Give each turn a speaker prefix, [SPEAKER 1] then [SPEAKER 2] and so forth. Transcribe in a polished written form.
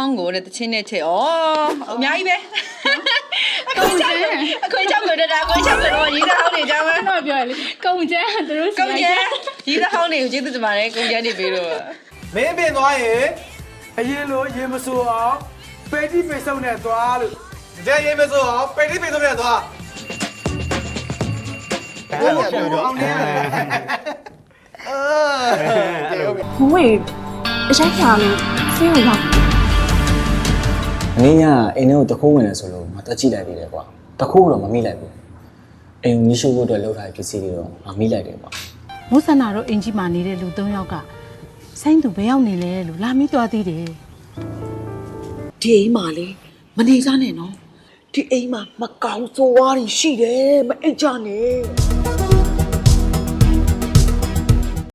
[SPEAKER 1] င်းကိုတဲ့တချင်းနဲ့ချက်ဩအများကြီးပဲအခွင့်ချောက်ကိုတာအခွင့်ချောက်ကတော့ရေးတဲ့ဟောင်းတွေကြောင်းပဲ
[SPEAKER 2] တော့ပြောရလေကုံကျန်းသူတို့
[SPEAKER 1] ကုံကျန်းရေးတဲ့ဟောင်းတွေကိုကျေးဇူးတင်ပါတယ်ကုံကျန်းနေပြီးတော့
[SPEAKER 3] မင်းပြင်သွားရင်အရင်လိုရေမစိုးအောင်ပေတိပေစုံနဲ့သွားလို့ကြရေမစိုးအောင်ပေတိပေစုံနဲ့သွားအဲ့လိုပြောတော့အောင်နေ
[SPEAKER 2] ဘဝအဆိုင်ခါလို့ဆေးရောက်
[SPEAKER 4] ။မင်းကအိမ်ထဲကိုတခိုးဝင်နေဆိုလို့ငါတက်ကြည့်လိုက်သေးတယ်ကွာ။တခိုးတော့မမိလိုက်ဘူး။အိမ်ကိုရှိုးဖို့အတွက်လောက်ထားတဲ့ပစ္စည်းတွေတော့ငါမိလိုက်တယ်ကွာ
[SPEAKER 5] မိုးဆန္ဒတို့အင်ကြီးမာနေတဲ့လူ၃ယောက်ကဆိုင်းသူဘယ်ရောက်နေလဲလို့လာမိသွားသေးတယ်
[SPEAKER 6] ဒီအိမ်မှာလေမနေကြနဲ့နော်ဒီအိမ်မှာမကောင်းဆိုးဝါးတွေရှိတယ်မအိတ်ကြနဲ့